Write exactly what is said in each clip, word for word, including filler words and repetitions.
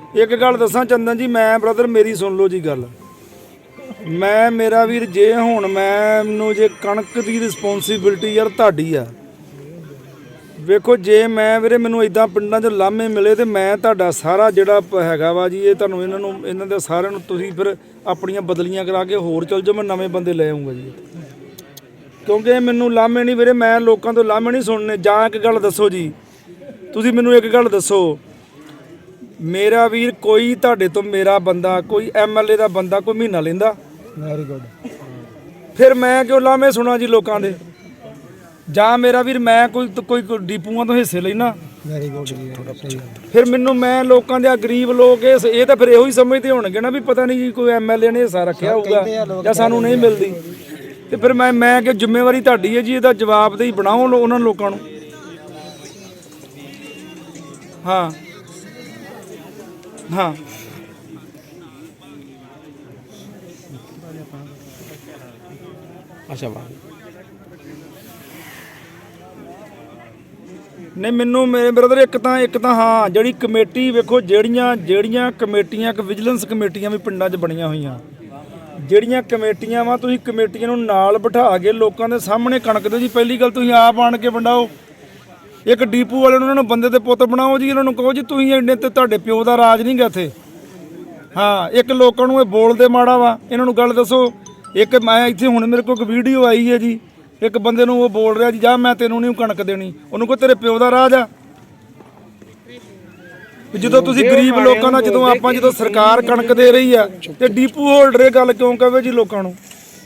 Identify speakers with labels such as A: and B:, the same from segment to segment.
A: एक गल दसा चंदन जी, मैं ब्रदर मेरी सुन लो जी गल। मैं मेरा वीर जे हुण मैनू जे कणक की रिस्पोंसिबिलिटी यार तुहाडी आ। वेखो जे मैं वीरे मैनू इदां पिंडां 'ਚ लामे मिले तो मैं तुहाडा सारा जिहड़ा हैगा वा जी, ये तुहानूं इन्हां नूं इन्हां दे सारिਆਂ ਨੂੰ ਤੁਸੀਂ फिर अपनियां बदलियां करा के होर चल जाओ, मैं नਵੇਂ बंदे ले आऊँगा जी। क्योंकि मैनू लामे नहीं वीरे, मैं लोगों तो लामे नहीं सुनने। जां एक गल दसो जी, तुसीं मैनू एक गल दसो, मेरा वीर कोई तुहाडे तो मेरा बंदा कोई एम एल ए का बंदा कोई महीना लेंदा? Very good. फिर मैं क्यों लामे सुना जी लोगों के? जां मेरा वीर मैं कोई तो कोई डिपूआं तो हिस्से लेना? Very good. फिर मैनू मैं लोगों के गरीब लोग ये तो फिर यही समझते होणगे ना भी पता नहीं जी कोई एम एल ए ने हिस्सा रखा होगा या सानू नहीं मिलती। तो फिर मैं मैं कि जिम्मेवारी तुहाडी है जी, इसदा जवाबदेही बनाओ उन्होंने लोगों नूं। हाँ हाँ अच्छा वाह नहीं मैनू मेरे ब्रदर एक तो एक तो हाँ जी कमेटी वेखो जड़ियाँ जड़ियाँ कमेटियाँ विजिलेंस कमेटियाँ भी पिंडां 'ਚ ਬਣੀਆਂ ਹੋਈਆਂ, ਜਿਹੜੀਆਂ ਕਮੇਟੀਆਂ ਵਾ ਤੁਸੀਂ ਕਮੇਟੀਆਂ ਨੂੰ ਨਾਲ ਬਿਠਾ ਕੇ ਲੋਕਾਂ ਦੇ ਸਾਹਮਣੇ ਕਣਕ ਦਿਓ ਜੀ। ਪਹਿਲੀ ਗੱਲ ਤੁਸੀਂ ਆਪ ਆਣ ਕੇ ਵੰਡਾਓ। ਇੱਕ ਡੀਪੂ ਵਾਲੇ ਨੂੰ ਉਹਨਾਂ ਨੂੰ ਬੰਦੇ ਦੇ ਪੁੱਤ ਬਣਾਓ ਜੀ, ਇਹਨਾਂ ਨੂੰ ਕਹੋ ਜੀ ਤੁਸੀਂ ਇੰਨੇ ਤੇ ਤੁਹਾਡੇ ਪਿਓ ਦਾ ਰਾਜ ਨਹੀਂ ਗਾ ਇੱਥੇ। ਹਾਂ ਇੱਕ ਲੋਕਾਂ ਨੂੰ ਇਹ ਬੋਲਦੇ ਮਾੜਾ ਵਾ, ਇਹਨਾਂ ਨੂੰ ਗੱਲ ਦੱਸੋ। ਇੱਕ ਮੈਂ ਇੱਥੇ ਹੁਣ ਮੇਰੇ ਕੋਲ ਇੱਕ ਵੀਡੀਓ ਆਈ ਹੈ ਜੀ, ਇੱਕ ਬੰਦੇ ਨੂੰ ਉਹ ਬੋਲ ਰਿਹਾ ਜੀ ਜਾ ਮੈਂ ਤੈਨੂੰ ਨਹੀਂ ਕਣਕ ਦੇਣੀ, ਉਹਨੂੰ ਕਹੋ ਤੇਰੇ ਪਿਓ ਦਾ ਰਾਜ ਆ। ਜਦੋਂ ਤੁਸੀਂ ਗਰੀਬ ਲੋਕਾਂ ਦਾ ਜਦੋਂ ਆਪਾਂ ਜਦੋਂ ਸਰਕਾਰ ਕਣਕ ਦੇ ਰਹੀ ਆ ਤੇ ਡੀਪੂ ਹੋਲਡਰ ਇਹ ਗੱਲ ਕਿਉਂ ਕਹੇ ਜੀ ਲੋਕਾਂ ਨੂੰ?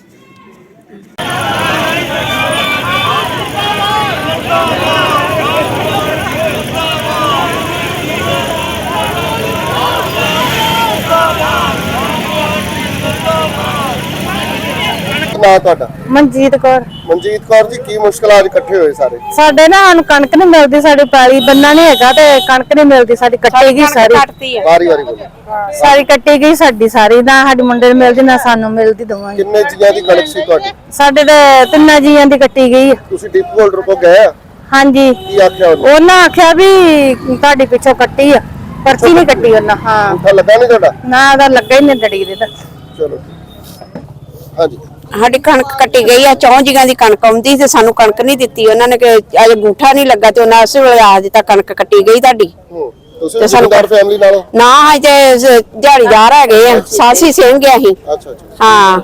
B: मनजीत कौर।
C: मनजीत कौर जी की मुश्किल आज इकट्ठे होए सारे?
B: साडे ना सानू कणक नहीं मिलदी, साडी पैली बन्ना नहीं हैगा ते कणक नहीं मिलदी, साडी कट्टी गई सारी
C: वारी वारी बोलो
B: सारी कट्टी गई साडी सारी, ना साडी मुंडे नूं मिलदी ना सानू मिलदी दोवां।
C: किन्ने जियां दी कणक सी तुहाडी?
B: साडे ते तिन्ना जियां दी कट्टी गई।
C: तुसी डिपो होल्डर को गए? हां जी। की आख्या उन्होंने?
B: उन्हां आख्या भी तुहाडी पिछों कट्टी आ, पर्ची नहीं कट्टी उन्हां। हां
C: उठा लगा नहीं तुहाडा? ना
B: ओदा लगा ही नहीं दड़ी दे।
C: चलो हां जी।
D: साडी कणक कट्टी गई है, चौं जिगां दी कणक आउंदी ते सानू कणक नहीं दित्ती उन्होंने कि अजे अंगूठा नहीं लगा ते उन्हां उस वेले आ दित्ता कणक कट्टी गई तुहाडी।
C: तुसी जिम्मेदार फैमिली नाल?
D: ना अजे दिहाड़ीदार हैगे आ, सासी सिंह आ ही।
C: अच्छा अच्छा
D: हां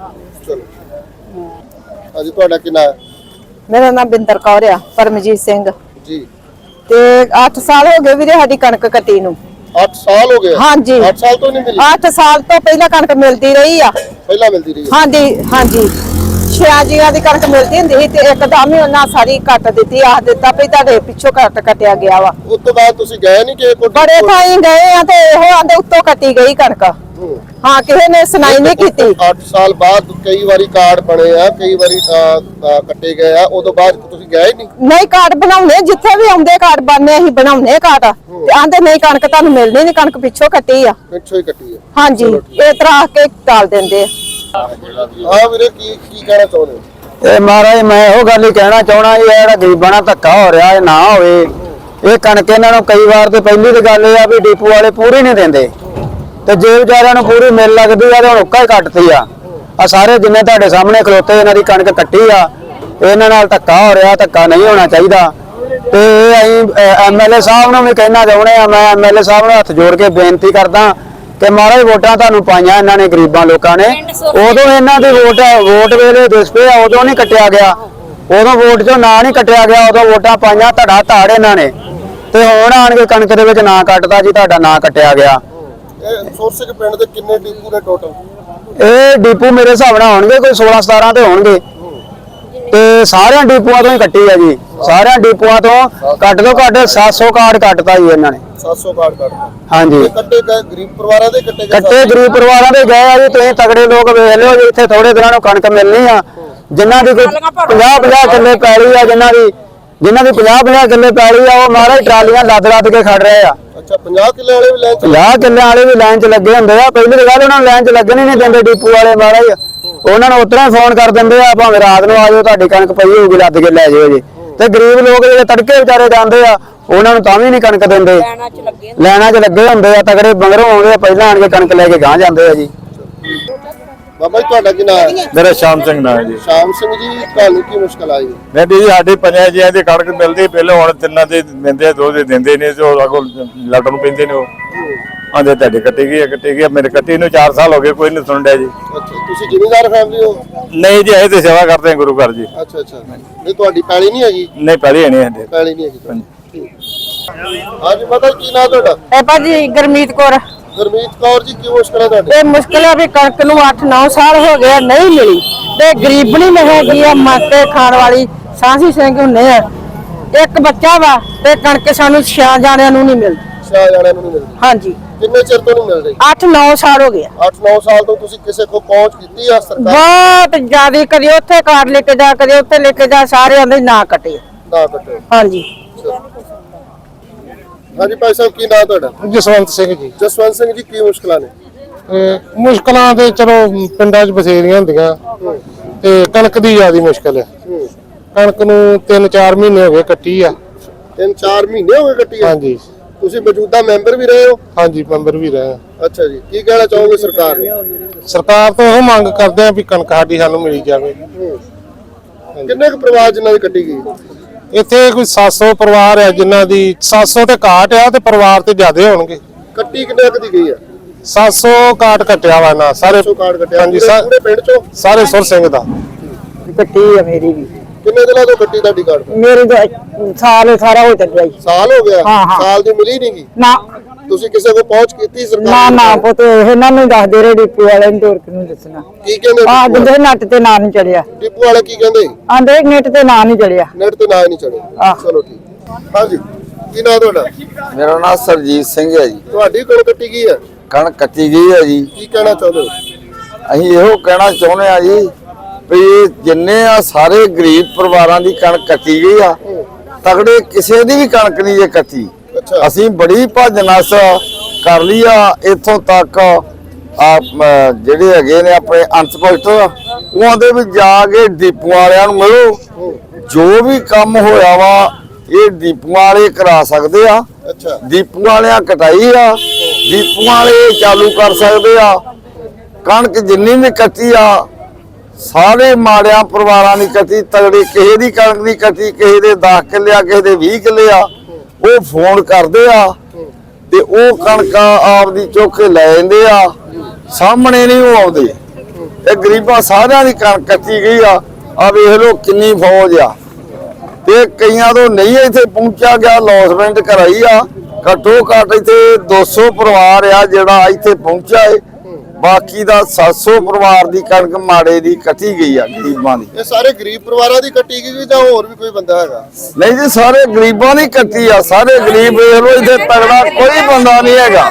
C: चलो अजी तुहाडा की नाम?
B: मेरा नाम बिंदर कौर आ। परमजीत सिंह
C: जी।
B: ते आठ साल हो गए वीरे साडी कणक कट्टी नूं।
C: आठ साल हो गए? हाँ जी। आठ साल तो नहीं मिली?
B: आठ साल तो पहला कणक मिलती रही आ।
C: पहला मिलती रही?
B: हाँ जी हाँ जी। छे जिया दी कणक मिलती हुंदी सी ते एकदम ही उन्हां सारी कट दित्ती, आख दित्ता भी तुहाडे पिछों कट कटिया गया वा।
C: उस तो बाद तुसी गए नहीं कि कोई
B: बड़े थाई गए आ ते ओह आंदे उत्तों कटी गई कणक। हाँ किसी ने सुनाई नहीं कीती।
C: आठ साल बाद कई बारी कार्ड बने आ, कई बारी कट्टे गए आ, उस तो बाद तुसी गए नहीं?
B: नहीं कार्ड बनाउने जिथे भी आउंदे कार्ड बनने असीं बनाउने कार्ड ते आंदे नहीं कणक तुहानूं मिलनी नहीं, कणक पिछों कट्टी आ।
C: पिछों ही कट्टी है?
B: हाँ जी ये तरह के टाल देंदे आ।
C: हां वीरे की की कहना चाहुंदे हो?
E: ਇਹ ਮਹਾਰਾਜ ਮੈਂ ਇਹੋ ਗੱਲ ਹੀ ਕਹਿਣਾ ਚਾਹਣਾ ਇਹ ਜਿਹੜਾ ਗਰੀਬਾਂ ਨਾਲ ਧੱਕਾ ਹੋ ਰਿਹਾ ਇਹ ਨਾ ਹੋਵੇ। ਇਹ ਕਣਕ ਇਹਨਾਂ ਨੂੰ ਕਈ ਵਾਰ ਤੇ ਪਹਿਲੀ ਤੇ ਗੱਲ ਇਹ ਆ ਵੀ ਡੀਪੂ ਵਾਲੇ ਪੂਰੀ ਨਹੀਂ ਦਿੰਦੇ ਤੇ ਜੇ ਵਿਚਾਰਿਆਂ ਨੂੰ ਪੂਰੀ ਮਿਲ ਲੱਗਦੀ ਆ ਤੇ ਹੁਣ ਉੱਕਾ ਹੀ ਕੱਟਦੀ ਆ। ਆ ਸਾਰੇ ਜਿੰਨੇ ਤੁਹਾਡੇ ਸਾਹਮਣੇ ਖਲੋਤੇ ਇਹਨਾਂ ਦੀ ਕਣਕ ਕੱਟੀ ਆ, ਇਹਨਾਂ ਨਾਲ ਧੱਕਾ ਹੋ ਰਿਹਾ, ਧੱਕਾ ਨਹੀਂ ਹੋਣਾ ਚਾਹੀਦਾ। ਤੇ ਇਹ ਅਸੀਂ ਐਮ ਐਲ ਏ ਸਾਹਿਬ ਨੂੰ ਵੀ ਕਹਿਣਾ ਚਾਹੁੰਦੇ ਆ, ਮੈਂ ਐਮ ਐਲ ਏ ਸਾਹਿਬ ਨੂੰ ਹੱਥ ਜੋੜ ਕੇ ਬੇਨਤੀ ਕਰਦਾ ਕਿ ਮਹਾਰਾਜ ਵੋਟਾਂ ਤੁਹਾਨੂੰ ਪਾਈਆਂ ਇਹਨਾਂ ਨੇ ਗਰੀਬਾਂ ਲੋਕਾਂ ਨੇ, ਉਦੋਂ ਇਹਨਾਂ ਦੀ ਵੋਟ ਵੋਟ ਵੇਲੇ ਦਿਸ ਪਏ ਉਦੋਂ ਨਹੀਂ ਕੱਟਿਆ ਗਿਆ, ਉਦੋਂ ਵੋਟ ਚੋਂ ਨਾਂ ਨਹੀਂ ਕੱਟਿਆ ਗਿਆ, ਉਦੋਂ ਵੋਟਾਂ ਪਾਈਆਂ ਧੜਾ ਧਾੜ ਇਹਨਾਂ ਨੇ ਤੇ ਹੁਣ ਆਣ ਕੇ ਕਣਕ ਦੇ ਵਿੱਚ ਨਾਂ ਕੱਟਦਾ ਜੀ ਤੁਹਾਡਾ ਨਾਂ ਕੱਟਿਆ ਗਿਆ।
C: ਇਹ ਸੋਰਸੇ ਦੇ ਪਿੰਡ ਦੇ ਕਿੰਨੇ ਡੀਪੂ ਨੇ ਟੋਟਲ?
E: ਇਹ ਡੀਪੂ ਮੇਰੇ ਹਿਸਾਬ ਨਾਲ ਹੋਣਗੇ ਕੋਈ सोलह सतारह ਤੇ ਹੋਣਗੇ ਤੇ ਸਾਰਿਆਂ ਡੀਪੂਆਂ ਤੋਂ ਹੀ ਕੱਟੀ ਆ ਜੀ। ਸਾਰਿਆਂ ਡੀਪੂਆਂ ਤੋਂ ਕੱਟ ਤੋਂ ਘੱਟ सात सौ ਕਾਰਡ ਕੱਟਤਾ ਜੀ ਇਹਨਾਂ ਨੇ।
C: सात सौ ਕਾਰਡ ਕੱਟਤਾ?
E: ਹਾਂਜੀ।
C: ਕੱਟੇ ਗਏ ਗਰੀਬ ਪਰਿਵਾਰਾਂ ਦੇ ਕੱਟੇ ਗਏ?
E: ਕੱਟੇ ਗਰੀਬ ਪਰਿਵਾਰਾਂ ਦੇ ਗਏ ਆ ਜੀ। ਤੁਸੀਂ ਤਗੜੇ ਲੋਕ ਵੇਖ ਲਿਓ ਜੀ, ਇੱਥੇ ਥੋੜੇ ਦਿਨਾਂ ਨੂੰ ਕਣਕ ਮਿਲਣੀ ਆ। ਜਿਨ੍ਹਾਂ ਦੀ ਕੋਈ ਪੰਜਾਹ ਪੰਜਾਹ ਕਿੱਲੇ ਪੈਲੀ ਆ, ਜਿਨ੍ਹਾਂ ਦੀ ਜਿਨ੍ਹਾਂ ਦੀ ਪੰਜਾਹ ਪੰਜਾਹ ਕਿੱਲੇ ਪੈਲੀ ਆ ਉਹ ਮਹਾਰਾਜ ਟਰਾਲੀਆਂ ਲੱਦ ਲੱਦ ਕੇ ਖੜ ਰਹੇ ਆ।
C: ਅੱਛਾ ਪੰਜਾਹ ਕਿੱਲੇ ਵਾਲੇ ਵੀ ਲਾਈਨ ਚ?
E: ਪੰਜਾਹ ਕਿੱਲੇ ਵਾਲੇ ਵੀ ਲਾਈਨ ਚ ਲੱਗੇ ਹੁੰਦੇ ਆ। ਪਹਿਲੀ ਗੱਲ ਉਹਨਾਂ ਨੂੰ ਲਾਈਨ ਚ ਲੱਗਣ ਹੀ ਨਹੀਂ ਦਿੰਦੇ ਡੀਪੂ ਵਾਲੇ ਮਹਾਰਾਜ। ਉਹਨਾਂ ਨੂੰ ਉਤਰਾ ਫੋਨ ਕਰ ਦਿੰਦੇ ਆ ਭਾਵੇਂ ਰਾਤ ਨੂੰ ਆ ਜਾਓ ਤੁਹਾਡੀ ਕਣਕ ਪਈ ਹੋਊਗੀ ਲੱਦ ਕੇ ਲੈ ਜਾਓ ਜੀ। ਤੇ ਗਰੀਬ ਲੋਕ ਜਿਹੜੇ ਤੜਕੇ ਵਿਚਾਰੇ ਜਾਂਦੇ ਆ ਉਹਨਾਂ ਨੂੰ ਤਾਂ ਵੀ ਨਹੀਂ ਕਣਕ ਦਿੰਦੇ। ਲੈਣਾ 'ਚ ਲੱਗੇ ਹੁੰਦੇ ਆ, ਤਗੜੇ ਬੰਗਰੋਂ ਆਉਂਦੇ ਆ, ਪਹਿਲਾਂ ਆਣ ਕੇ ਕਣਕ ਲੈ ਕੇ ਗਾਂ ਜਾਂਦੇ ਆ ਜੀ।
C: ਬਾਬਾ ਜੀ ਤੁਹਾਡਾ ਕੀ ਨਾਮ ਹੈ?
F: ਮੇਰਾ ਸ਼ਾਮ ਸਿੰਘ ਨਾਮ ਹੈ ਜੀ।
C: ਸ਼ਾਮ ਸਿੰਘ ਜੀ, ਤੁਹਾਨੂੰ ਕੀ ਮੁਸ਼ਕਲ ਆਈ?
F: ਮੈਂ ਵੀ ਸਾਡੇ ਪੰਜਾਂ ਜੀਆਂ ਦੀ ਕਣਕ ਮਿਲਦੀ, ਪਹਿਲਾਂ ਹੁਣ ਤਿੰਨਾਂ ਦੇ ਦਿੰਦੇ, ਦੋ ਦੇ ਦਿੰਦੇ ਨੇ, ਤੇ ਉਹ ਅਗੋਂ ਲੜਨ ਨੂੰ ਪੈਂਦੇ ਨੇ। ਉਹ ਆਂਦੇ ਤੁਹਾਡੇ ਕੱਟੀ ਗਈ ਹੈ, ਕੱਟੀ ਗਈ। ਮੇਰੇ ਕੱਟੀ ਨੂੰ ਚਾਰ ਸਾਲ ਹੋ ਗਏ, ਕੋਈ ਨਹੀਂ ਸੁਣ ਰਿਹਾ ਜੀ।
C: ਅੱਛਾ, ਤੁਸੀਂ ਜ਼ਿਮੀਂਦਾਰ ਫੈਮਿਲੀ ਹੋ?
F: ਨਹੀਂ ਜੀ, ਅਸੀਂ ਤੇ ਸੇਵਾ ਕਰਦੇ ਹਾਂ ਗੁਰੂ ਘਰ ਜੀ।
C: ਅੱਛਾ ਅੱਛਾ, ਨਹੀਂ ਤੁਹਾਡੀ ਪੈਲੀ ਨਹੀਂ ਹੈਗੀ?
F: ਨਹੀਂ ਪਹਿਲੇ ਨਹੀਂ ਸਾਡੇ।
C: ਪੈਲੀ ਨਹੀਂ ਹੈਗੀ। ਹਾਂਜੀ ਪਤਾ ਕੀ ਨਾਮ ਤੁਹਾਡਾ?
B: ਇਹ ਭਾਜੀ ਗੁਰਮੀਤ ਕੌਰ।
C: ਗੁਰਮੀਤ ਕੌਰ ਜੀ, ਕੀ ਮੁਸ਼ਕਲ ਹੈ ਤੁਹਾਡੀ?
B: ਇਹ ਮੁਸ਼ਕਿਲ ਹੈ ਵੀ ਕਣਕ ਨੂੰ ਅੱਠ ਨੌ ਸਾਲ ਹੋ ਗਏ ਨਹੀਂ ਮਿਲੀ, ਤੇ ਗਰੀਬਣੀ ਨਹੀਂ ਹੈਗੀ ਆ, ਮੱਕੇ ਖਾਣ ਵਾਲੀ ਸਾਂਸੀ ਸਿੰਘ ਹੁੰਨੇ ਆ, ਇੱਕ ਬੱਚਾ ਵਾ, ਤੇ ਕਣਕ ਸਾਨੂੰ ਛਿਆ ਜਾਣਿਆਂ ਨੂੰ ਨਹੀਂ ਮਿਲਦੀ।
C: ਛਿਆ ਜਾਣਿਆਂ ਨੂੰ ਨਹੀਂ ਮਿਲਦੀ?
B: ਹਾਂਜੀ।
C: ਕਿੰਨੇ ਚਿਰ ਤੋਂ ਨਹੀਂ ਮਿਲ ਰਹੀ?
B: ਅੱਠ ਨੌ ਸਾਲ ਹੋ ਗਏ।
C: ਅੱਠ ਨੌ ਸਾਲ ਤੋਂ ਤੁਸੀਂ ਕਿਸੇ ਕੋ ਪਹੁੰਚ ਕੀਤੀ ਆ ਸਰਕਾਰ?
B: ਬਹੁਤ ਜ਼ਿਆਦਾ, ਕਦੇ ਉੱਥੇ ਕਾਰਡ ਲੈ ਕੇ ਜਾ, ਕਦੇ ਉੱਥੇ ਲੈ ਕੇ ਜਾ, ਸਾਰੇ ਆਂਦੇ ਨਾ ਕੱਟੇ।
C: ਨਾ ਕੱਟੋ।
B: ਹਾਂਜੀ।
C: ਹਾਂਜੀ ਭਾਈ ਸਾਹਿਬ, ਕੀ ਨਾਮ ਤੁਹਾਡਾ?
G: ਜਸਵੰਤ ਸਿੰਘ ਜੀ।
C: ਜਸਵੰਤ ਸਿੰਘ ਜੀ, ਕੀ ਮੁਸ਼ਕਲਾਂ ਨੇ?
G: ਅਹ ਮੁਸ਼ਕਲਾਂ ਤੇ ਚਲੋ ਪਿੰਡਾਂ 'ਚ ਬਥੇਰੀਆਂ ਹੁੰਦੀਆਂ, ਤੇ ਕਣਕ ਦੀ ਜ਼ਿਆਦਾ ਮੁਸ਼ਕਲ ਹੈ। ਕਣਕ ਨੂੰ ਤਿੰਨ ਚਾਰ ਮਹੀਨੇ ਹੋ ਗਏ ਕੱਟੀ ਆ।
C: ਤਿੰਨ ਚਾਰ ਮਹੀਨੇ ਹੋ ਗਏ ਕੱਟੀ ਆ?
G: ਹਾਂਜੀ।
C: ਤੁਸੀਂ ਮੌਜੂਦਾ ਮੈਂਬਰ ਵੀ ਰਹੇ ਹੋ?
G: ਹਾਂਜੀ, ਮੈਂਬਰ ਵੀ ਰਹੇ।
C: ਅੱਛਾ ਜੀ, ਕੀ ਕਹਿਣਾ ਚਾਹੋਗੇ ਸਰਕਾਰ ਨੂੰ?
G: ਸਰਕਾਰ ਤੋਂ ਉਹ ਮੰਗ ਕਰਦੇ ਆ ਵੀ ਕਣਕ ਸਾਡੀ ਸਾਨੂੰ ਮਿਲੀ ਜਾਵੇ।
C: ਕਿੰਨੇ ਕੁ ਪਰਿਵਾਰ ਜਿਨ੍ਹਾਂ ਦੀ ਕੱਟੀ ਗਈ?
G: ਇੱਥੇ ਕੋਈ ਸੱਤ ਸੌ ਪਰਿਵਾਰ ਹੈ ਜਿਨ੍ਹਾਂ ਦੀ ਸੱਤ ਸੌ ਤੇ ਘਾਟ ਆ, ਤੇ ਪਰਿਵਾਰ ਤੇ ਜ਼ਿਆਦੇ ਹੋਣਗੇ।
C: ਕੱਟੀ ਕਿੰਨੇ ਕੁ ਦੀ ਗਈ ਆ?
G: ਸੱਤ ਸੌ ਕਾਟ ਕੱਟਿਆ ਵਾ ਨਾ ਸਾਰੇ।
C: ਸੌ ਕਾਰਡ ਕੱਟਿਆ?
G: ਹਾਂਜੀ,
C: ਪੂਰੇ-
G: ਸਾ-
C: ਪੂਰੇ ਪਿੰਡ ਚੋਂ?
G: ਸਾਰੇ ਸੁਰ ਸਿੰਘ ਦਾ।
B: ਕੱਟੀ ਆ ਮੇਰੀ ਵੀ।
C: ਕਿੰਨੇ ਦਿਨਾਂ ਤੋਂ ਕੱਟੀ ਤੁਹਾਡੀ ਕਾਰਡ?
B: ਮੇਰੀ ਤਾਂ ਸਾਲ ਸਾਰਾ ਹੋ ਚੱਲਿਆ ਜੀ।
C: ਸਾਲ ਹੋ ਗਿਆ?
B: ਹਾਂ, ਹਾਂ।
C: ਸਾਲ ਦੀ ਮਿਲੀ ਨਹੀਂ ਗਈ?
B: ਨਾ
C: ਤੁਸੀਂ ਕਿਸੇ ਕੋ ਪਹੁੰਚ ਕੀਤੀ ਸਰਕਾਰ
B: ਨਾ
C: ਨੂੰ?
B: ਨਾ ਪੁੱਤ, ਇਹਨਾਂ ਨੂੰ ਦੱਸਦੇ ਰਹੇ ਡਿਪੂ ਵਾਲੇ ਨੂੰ, ਹੋਰ ਕਿਹਨੂੰ ਦੱਸਣਾ।
C: ਕੀ ਕਹਿੰਦੇ
B: ਆ
C: ਡਿਪੂ
B: ਜਿੰਦੇ ਨੱਟ ਤੇ ਨਾਂ ਨਹੀਂ ਚੜਿਆ,
C: ਡਿਪੂ ਵਾਲੇ ਕੀ ਕਹਿੰਦੇ?
B: ਆਂਦੇ ਨੈਟ ਤੇ ਨਾਂ ਨਹੀਂ ਚੜਿਆ।
C: ਨੈਟ ਤੇ ਨਾ ਹੀ ਨਹੀਂ ਚੜੇ।
B: ਆਹ।
C: ਚਲੋ ਠੀਕ। ਹਾਂਜੀ, ਕੀ ਨਾਮ ਤੁਹਾਡਾ?
E: ਮੇਰਾ ਨਾਮ ਸਰਜੀਤ ਸਿੰਘ ਹੈ ਜੀ।
C: ਤੁਹਾਡੀ ਕੋਲ ਕੱਟੀ ਗਈ ਹੈ?
E: ਕਣਕ ਕੱਟੀ ਗਈ ਹੈ ਜੀ।
C: ਕੀ ਕਹਿਣਾ ਚਾਹੁੰਦੇ ਹੋ?
E: ਅਸੀਂ ਇਹੋ ਕਹਿਣਾ ਚਾਹੁੰਦੇ ਆ ਜੀ ਵੀ ਇਹ ਜਿੰਨੇ ਆ ਸਾਰੇ ਗਰੀਬ ਪਰਿਵਾਰਾਂ ਦੀ ਕਣਕ ਕੱਟੀ ਗਈ ਆ, ਤਗੜੇ ਕਿਸੇ ਦੀ ਵੀ ਕਣਕ ਨਹੀਂ ਜੇ ਕੱਟੀ।
C: ਅੱਛਾ।
E: ਅਸੀਂ ਬੜੀ ਭੱਜ ਨਸ ਕਰ ਲਈ ਆ, ਇੱਥੋਂ ਤੱਕ ਆ ਜਿਹੜੇ ਹੈਗੇ ਨੇ ਆਪਣੇ ਇੰਸਪੈਕਟਰ, ਉਹਨਾਂ ਦੇ ਵੀ ਜਾ ਕੇ ਡਿਪੂ ਵਾਲਿਆਂ ਨੂੰ ਮਿਲੋ। ਜੋ ਵੀ ਕੰਮ ਹੋਇਆ ਵਾ ਇਹ ਡਿਪੂ ਵਾਲੇ ਕਰਾ ਸਕਦੇ ਆ।
C: ਅੱਛਾ।
E: ਡਿਪੂ ਵਾਲਿਆਂ ਕਟਾਈ ਆ, ਡਿਪੂ ਵਾਲੇ ਚਾਲੂ ਕਰ ਸਕਦੇ ਆ। ਕਣਕ ਜਿੰਨੀ ਵੀ ਕੱਟੀ ਆ ਸਾਰੇ ਮਾੜਿਆਂ ਪਰਿਵਾਰਾਂ ਦੀ ਕੱਟੀ, ਤਗੜੇ ਕਿਸੇ ਦੀ ਕਣਕ ਦੀ ਕੱਟੀ, ਕਿਸੇ ਦੇ ਦਸ ਕਿੱਲੇ ਆ, ਕਿਸੇ ਦੇ ਵੀਹ ਕਿੱਲੇ ਆ, ਉਹ ਫੋਨ ਕਰਦੇ ਆ ਤੇ ਉਹ ਕਣਕਾਂ ਆਪਦੀ ਚੁੱਕ ਕੇ ਲੈ ਜਾਂਦੇ ਆ, ਸਾਹਮਣੇ ਨਹੀਂ ਉਹ ਆਉਂਦੇ। ਇਹ ਗਰੀਬਾਂ ਸਾਰਿਆਂ ਦੀ ਕਣਕ ਕੱਟੀ ਗਈ ਆ। ਆ ਵੇਖ ਲਓ ਕਿੰਨੀ ਫੌਜ ਆ, ਤੇ ਕਈਆਂ ਤੋਂ ਨਹੀਂ ਇੱਥੇ ਪਹੁੰਚਿਆ ਗਿਆ, ਲੌਸਮੈਂਟ ਕਰਾਈ ਆ। ਘੱਟੋ ਘੱਟ ਇੱਥੇ ਦੋ ਸੌ ਪਰਿਵਾਰ ਆ ਜਿਹੜਾ ਇੱਥੇ ਪਹੁੰਚਿਆ ਏ, ਬਾਕੀ ਦਾ ਸੱਤ ਸੌ ਪਰਿਵਾਰ ਦੀ ਕਣਕ ਮਾੜੇ ਦੀ ਕੱਟੀ ਗਈ ਆ, ਗਰੀਬਾਂ ਦੀ।
C: ਇਹ ਸਾਰੇ ਗਰੀਬ ਪਰਿਵਾਰਾਂ ਦੀ ਕੱਟੀ ਗਈ ਜਾਂ ਹੋਰ ਵੀ ਕੋਈ ਬੰਦਾ ਹੈਗਾ?
E: ਨਹੀਂ ਜੀ, ਸਾਰੇ ਗਰੀਬਾਂ ਦੀ ਕੱਟੀ ਆ, ਸਾਰੇ ਗਰੀਬ ਵੇਖ ਲਓ, ਇੱਥੇ ਤਗੜਾ ਕੋਈ ਬੰਦਾ ਨਹੀਂ ਹੈਗਾ।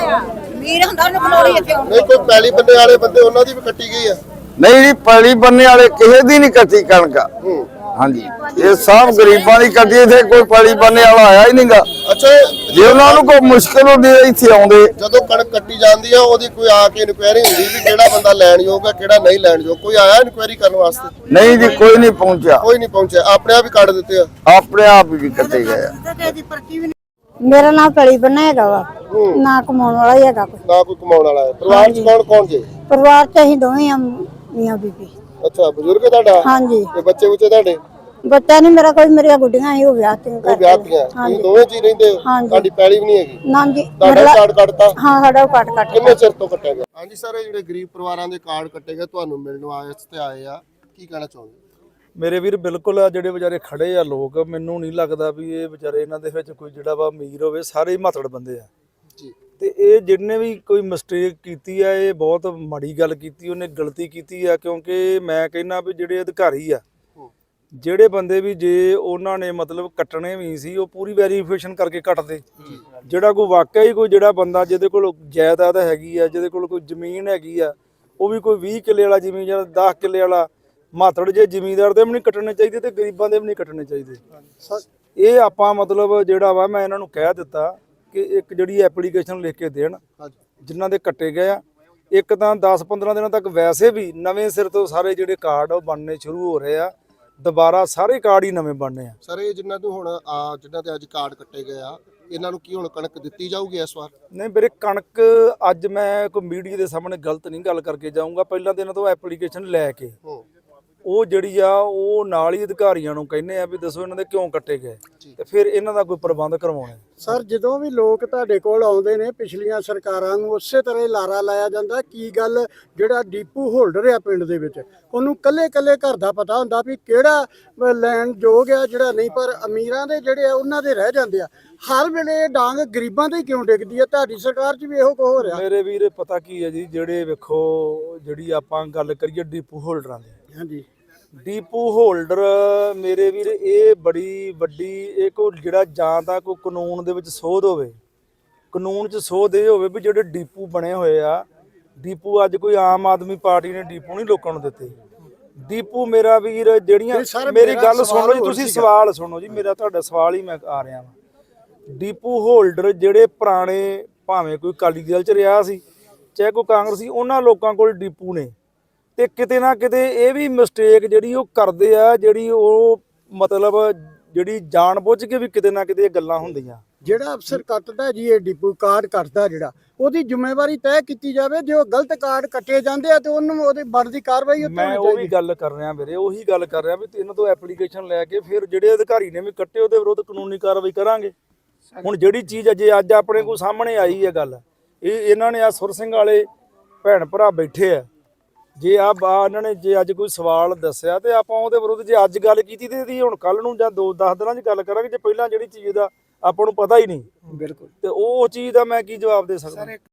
C: ਨਹੀਂ ਕੋਈ ਪੈਲੀ ਬੰਨੇ ਵਾਲੇ ਬੰਦੇ, ਉਹਨਾਂ ਦੀ ਵੀ ਕੱਟੀ ਗਈ ਆ?
E: ਨਹੀਂ ਜੀ, ਪੈਲੀ ਬੰਨੇ ਵਾਲੇ ਕਿਸੇ ਦੀ ਨਹੀਂ ਕੱਟੀ ਕਣਕ। ਹਾਂਜੀ, ਇਹ ਸਭ ਗਰੀਬਾਂ ਦੀ ਕੱਟੀ, ਇੱਥੇ ਕੋਈ ਪੈਲੀ ਬੰਨੇ ਵਾਲਾ ਆਇਆ ਹੀ ਨਹੀਂਗਾ।
C: ਅੱਛਾ,
E: ਜੇ ਉਹਨਾਂ ਨੂੰ ਕੋਈ ਮੁਸ਼ਕਲ ਹੁੰਦੀ ਹੈ ਇੱਥੇ ਆਉਂਦੇ।
C: ਜਦੋਂ ਕਣਕ ਕੱਟੀ ਜਾਂਦੀ ਆ ਉਹਦੀ ਕੋਈ ਆ ਕੇ ਇਨਕੁਆਇਰੀ ਹੁੰਦੀ ਵੀ ਕਿਹੜਾ ਬੰਦਾ ਲੈਣ ਯੋਗ ਹੈ, ਕਿਹੜਾ ਨਹੀਂ ਲੈਣ ਯੋਗ? ਕੋਈ ਆਇਆ ਇਨਕੁਆਇਰੀ ਕਰਨ ਵਾਸਤੇ?
E: ਨਹੀਂ ਜੀ, ਕੋਈ ਨਹੀਂ ਪਹੁੰਚਿਆ।
C: ਕੋਈ ਨਹੀਂ ਪਹੁੰਚਿਆ, ਆਪਣੇ ਆਪ ਹੀ ਕੱਢ ਦਿੱਤੇ ਆ?
E: ਆਪਣੇ ਆਪ ਹੀ ਕੱਟੇ ਗਏ ਆ।
H: ਮੇਰਾ ਨਾਮ ਪਲੀ ਬੰਨਾ ਹੈਗਾ ਵਾ, ਨਾ ਕਮਾਉਣ ਵਾਲਾ ਹੀ ਹੈਗਾ ਕੋਈ।
C: ਨਾ ਕੋਈ ਕਮਾਉਣ ਵਾਲਾ ਹੈ? ਪਰਿਵਾਰ ਚ ਕੌਣ ਕੌਣ ਜੇ?
H: ਪਰਿਵਾਰ ਚ ਅਸੀਂ ਦੋਵੇਂ ਆ, ਮੀਆਂ ਬੀਬੀ।
C: ਅੱਛਾ, ਬਜ਼ੁਰਗ ਤੁਹਾਡਾ?
H: ਹਾਂਜੀ।
C: ਤੇ ਬੱਚੇ ਬੁੱਚੇ ਤੁਹਾਡੇ?
H: ਬੱਚਾ ਨਹੀਂ ਮੇਰਾ ਕੋਈ, ਮੇਰੀਆਂ ਗੁੱਡੀਆਂ ਹੀ ਉਹ ਵਿਆਹ ਤੇ
C: ਉਹ ਵਿਆਹ ਕੀਆਂ? ਤੁਸੀਂ ਦੋਵੇਂ ਜੀ ਰਹਿੰਦੇ ਹੋ?
H: ਹਾਂਜੀ।
C: ਤੁਹਾਡੀ ਪੈਲੀ ਵੀ ਨਹੀਂ ਹੈਗੀ?
H: ਨਾ ਜੀ,
C: ਤੁਹਾਡਾ
H: ਮੇਰਾ-
C: ਕਾਰਡ ਕੱਟਤਾ?
H: ਹਾਂ, ਸਾਡਾ ਕੱਟ ਕੱਟ
C: ਕਿੰਨੇ ਚਿਰ ਤੋਂ ਕੱਟਿਆ ਗਿਆ? ਹਾਂਜੀ ਸਰ, ਇਹ ਜਿਹੜੇ ਗਰੀਬ ਪਰਿਵਾਰਾਂ ਦੇ ਕਾਰਡ ਕੱਟੇ ਗਏ, ਤੁਹਾਨੂੰ ਮਿਲਣ ਵਾਸਤੇ ਆਏ ਆ, ਕੀ ਕਹਿਣਾ ਚਾਹੁੰਦੇ?
A: ਮੇਰੇ ਵੀਰ ਬਿਲਕੁਲ ਆ ਜਿਹੜੇ ਵਿਚਾਰੇ ਖੜੇ ਆ ਲੋਕ, ਮੈਨੂੰ ਨਹੀਂ ਲੱਗਦਾ ਵੀ ਇਹ ਵਿਚਾਰੇ ਇਹਨਾਂ ਦੇ ਵਿੱਚ ਕੋਈ ਜਿਹੜਾ ਵਾ ਅਮੀਰ ਹੋਵੇ, ਸਾਰੇ ਹੀ ਮਾਤੜ ਬੰਦੇ ਆ
C: ਜੀ।
A: ਤੇ ਇਹ ਜਿਹਨੇ ਵੀ ਕੋਈ ਮਿਸਟੇਕ ਕੀਤੀ ਆ, ਇਹ ਬਹੁਤ ਮਾੜੀ ਗੱਲ ਕੀਤੀ, ਉਹਨੇ ਗਲਤੀ ਕੀਤੀ ਆ। ਕਿਉਂਕਿ ਮੈਂ ਕਹਿੰਦਾ ਵੀ ਜਿਹੜੇ ਅਧਿਕਾਰੀ ਆ, ਜਿਹੜੇ ਬੰਦੇ ਵੀ ਜੇ ਉਹਨਾਂ ਨੇ ਮਤਲਬ ਕੱਟਣੇ ਵੀ ਸੀ, ਉਹ ਪੂਰੀ ਵੈਰੀਫਿਕੇਸ਼ਨ ਕਰਕੇ ਕੱਟਦੇ। ਜਿਹੜਾ ਕੋਈ ਵਾਕਿਆ ਹੀ ਕੋਈ ਜਿਹੜਾ ਬੰਦਾ ਜਿਹਦੇ ਕੋਲ ਜਾਇਦਾਦ ਹੈਗੀ ਆ, ਜਿਹਦੇ ਕੋਲ ਕੋਈ ਜ਼ਮੀਨ ਹੈਗੀ ਆ, ਉਹ ਵੀ ਕੋਈ ਵੀਹ ਕਿੱਲੇ ਵਾਲਾ ਜ਼ਮੀਨ ਜਾਂ ਦਸ ਕਿੱਲੇ ਵਾਲਾ ਮਾਤੜ, ਜੇ ਜ਼ਿਮੀਂਦਾਰ ਦੇ ਵੀ ਨਹੀਂ ਕੱਟਣੇ ਚਾਹੀਦੇ ਤੇ ਗਰੀਬਾਂ ਦੇ ਵੀ ਨਹੀਂ ਕੱਟਣੇ ਚਾਹੀਦੇ। ਇਹ ਆਪਾਂ ਮਤਲਬ ਜਿਹੜਾ ਵਾ ਮੈਂ ਇਹਨਾਂ ਨੂੰ ਕਹਿ ਦਿੱਤਾ ਕਿ ਇੱਕ ਜਿਹੜੀ ਐਪਲੀਕੇਸ਼ਨ ਲਿਖ ਕੇ ਦੇਣ ਜਿਨ੍ਹਾਂ ਦੇ ਕੱਟੇ ਗਏ ਆ। ਇੱਕ ਤਾਂ ਦਸ ਪੰਦਰਾਂ ਦਿਨਾਂ ਤੱਕ ਵੈਸੇ ਵੀ ਨਵੇਂ ਸਿਰ ਤੋਂ ਸਾਰੇ ਜਿਹੜੇ ਕਾਰਡ ਉਹ ਬਣਨੇ ਸ਼ੁਰੂ ਹੋ ਰਹੇ ਆ। ਦੁਬਾਰਾ ਸਾਰੇ ਕਾਰਡ ਹੀ ਨਵੇਂ ਬਣਨੇ ਆ।
C: ਸਰ ਇਹ ਜਿਨ੍ਹਾਂ ਨੂੰ ਹੁਣ ਆ ਜਿਨ੍ਹਾਂ ਤੇ ਅੱਜ ਕਾਰਡ ਕੱਟੇ ਗਏ ਆ ਇਹਨਾਂ ਨੂੰ ਕੀ ਹੁਣ ਕਣਕ ਦਿੱਤੀ ਜਾਊਗੀ ਇਸ ਵਾਰ?
A: ਨਹੀਂ ਵੀਰੇ, ਕਣਕ ਅੱਜ ਮੈਂ ਕੋਈ ਮੀਡੀਆ ਦੇ ਸਾਹਮਣੇ ਗਲਤ ਨਹੀਂ ਗੱਲ ਕਰਕੇ ਜਾਊਂਗਾ। ਪਹਿਲਾਂ ਤਾਂ ਇਹਨਾਂ ਤੋਂ ਐਪਲੀਕੇਸ਼ਨ ਲੈ ਕੇ
C: ਹੂੰ
A: ਉਹ ਜਿਹੜੀ ਆ ਉਹ ਨਾਲ ਹੀ ਅਧਿਕਾਰੀਆਂ ਨੂੰ ਕਹਿੰਦੇ ਆ ਵੀ ਦੱਸੋ ਇਹਨਾਂ ਦੇ ਕਿਉਂ ਕੱਟੇ ਗਏ, ਤੇ ਫਿਰ ਇਹਨਾਂ ਦਾ ਕੋਈ ਪ੍ਰਬੰਧ ਕਰਵਾਉਣਾ।
I: ਸਰ ਜਦੋਂ ਵੀ ਲੋਕ ਤੁਹਾਡੇ ਕੋਲ ਆਉਂਦੇ ਨੇ ਪਿਛਲੀਆਂ ਸਰਕਾਰਾਂ ਨੂੰ ਉਸੇ ਤਰ੍ਹਾਂ ਹੀ ਲਾਰਾ ਲਾਇਆ ਜਾਂਦਾ ਕੀ ਗੱਲ ਜਿਹੜਾ ਡੀਪੂ ਹੋਲਡਰ ਆ ਪਿੰਡ ਦੇ ਵਿੱਚ ਉਹਨੂੰ ਕੱਲੇ ਕੱਲੇ ਘਰ ਦਾ ਪਤਾ ਹੁੰਦਾ ਵੀ ਕਿਹੜਾ ਲੈਣ ਯੋਗ ਆ ਜਿਹੜਾ ਨਹੀਂ, ਪਰ ਅਮੀਰਾਂ ਦੇ ਜਿਹੜੇ ਆ ਉਹਨਾਂ ਦੇ ਰਹਿ ਜਾਂਦੇ ਆ। ਹਰ ਵੇਲੇ ਇਹ ਡਾਂਗ ਗਰੀਬਾਂ ਤੇ ਕਿਉਂ ਡਿੱਗਦੀ ਆ? ਤੁਹਾਡੀ ਸਰਕਾਰ 'ਚ ਵੀ ਇਹੋ ਕੁਝ ਹੋ ਰਿਹਾ।
A: ਮੇਰੇ ਵੀਰੇ ਪਤਾ ਕੀ ਹੈ ਜੀ, ਜਿਹੜੇ ਵੇਖੋ ਜਿਹੜੀ ਆਪਾਂ ਗੱਲ ਕਰੀਏ ਡੀਪੂ ਹੋਲਡਰਾਂ ਦੀ,
I: ਹਾਂਜੀ
A: ਡੀਪੂ ਹੋਲਡਰ ਮੇਰੇ ਵੀਰ ਇਹ ਬੜੀ ਵੱਡੀ ਇਹ ਕੋ ਜਿਹੜਾ ਜਾਂ ਤਾਂ ਕੋਈ ਕਾਨੂੰਨ ਦੇ ਵਿੱਚ ਸੋਧ ਹੋਵੇ, ਕਾਨੂੰਨ 'ਚ ਸੋਧ ਇਹ ਹੋਵੇ ਵੀ ਜਿਹੜੇ ਡੀਪੂ ਬਣੇ ਹੋਏ ਆ, ਡੀਪੂ ਅੱਜ ਕੋਈ ਆਮ ਆਦਮੀ ਪਾਰਟੀ ਨੇ ਡੀਪੂ ਨਹੀਂ ਲੋਕਾਂ ਨੂੰ ਦਿੱਤੇ। ਡੀਪੂ ਮੇਰਾ ਵੀਰ ਜਿਹੜੀਆਂ ਮੇਰੀ ਗੱਲ ਸੁਣ ਲਓ ਜੀ, ਤੁਸੀਂ ਸਵਾਲ ਸੁਣੋ ਜੀ ਮੇਰਾ, ਤੁਹਾਡਾ ਸਵਾਲ ਹੀ ਮੈਂ ਆ ਰਿਹਾ ਵਾਂ। ਡੀਪੂ ਹੋਲਡਰ ਜਿਹੜੇ ਪੁਰਾਣੇ ਭਾਵੇਂ ਕੋਈ ਅਕਾਲੀ ਦਲ 'ਚ ਰਿਹਾ ਸੀ ਚਾਹੇ ਕੋਈ ਕਾਂਗਰਸੀ, ਉਹਨਾਂ ਲੋਕਾਂ ਕੋਲ ਡੀਪੂ ਨੇ, ਤੇ ਕਿਤੇ ਨਾ ਕਿਤੇ ਇਹ ਵੀ ਮਿਸਟੇਕ ਜਿਹੜੀ ਉਹ ਕਰਦੇ ਆ, ਜਿਹੜੀ ਉਹ ਮਤਲਬ ਜਿਹੜੀ ਜਾਣ ਬੁੱਝ ਕੇ ਵੀ ਕਿਤੇ ਨਾ ਕਿਤੇ ਇਹ ਗੱਲਾਂ ਹੁੰਦੀਆਂ।
I: ਜਿਹੜਾ ਅਫਸਰ ਕੱਟਦਾ ਜੀ ਇਹ ਡੀਪੂ ਕਾਰਡ ਕੱਟਦਾ ਜਿਹੜਾ ਉਹਦੀ ਜ਼ਿੰਮੇਵਾਰੀ ਤੈਅ ਕੀਤੀ ਜਾਵੇ। ਜੇ ਉਹ ਗਲਤ ਕਾਰਡ ਕੱਟੇ ਜਾਂਦੇ ਆ ਤੇ ਉਹਨੂੰ ਉਹਦੀ ਬਣਦੀ ਕਾਰਵਾਈ ਉੱਤੇ
A: ਮੈਂ ਉਹ ਵੀ ਗੱਲ ਕਰ ਰਿਹਾ ਵੀਰੇ, ਉਹੀ ਗੱਲ ਕਰ ਰਿਹਾ ਵੀ ਇਹਨਾਂ ਤੋਂ ਐਪਲੀਕੇਸ਼ਨ ਲੈ ਕੇ ਫਿਰ ਜਿਹੜੇ ਅਧਿਕਾਰੀ ਨੇ ਵੀ ਕੱਟੇ ਉਹਦੇ ਵਿਰੁੱਧ ਕਾਨੂੰਨੀ ਕਾਰਵਾਈ ਕਰਾਂਗੇ। ਹੁਣ ਜਿਹੜੀ ਚੀਜ਼ ਅਜੇ ਅੱਜ ਆਪਣੇ ਕੋਲ ਸਾਹਮਣੇ ਆਈ ਹੈ ਗੱਲ, ਇਹ ਇਹਨਾਂ ਨੇ ਆ ਸੁਰ ਸਿੰਘ ਵਾਲੇ ਭੈਣ ਭਰਾ ਬੈਠੇ ਆ, ਜੇ ਆ ਇਹਨਾਂ ਨੇ ਜੇ ਅੱਜ ਕੋਈ ਸਵਾਲ ਦੱਸਿਆ ਤੇ ਆਪਾਂ ਉਹਦੇ ਵਿਰੁੱਧ ਜੇ ਅੱਜ ਗੱਲ ਕੀਤੀ ਤੇ ਇਹਦੀ ਹੁਣ ਕੱਲ ਨੂੰ ਜਾਂ ਦੋ ਦਸ ਦਿਨਾਂ 'ਚ ਗੱਲ ਕਰਾਂਗੇ। ਜੇ ਪਹਿਲਾਂ ਜਿਹੜੀ ਚੀਜ਼ ਦਾ ਆਪਾਂ ਨੂੰ ਪਤਾ ਹੀ ਨਹੀਂ
I: ਬਿਲਕੁਲ,
A: ਤੇ ਉਹ ਚੀਜ਼ ਦਾ ਮੈਂ ਕੀ ਜਵਾਬ ਦੇ ਸਕਦਾ।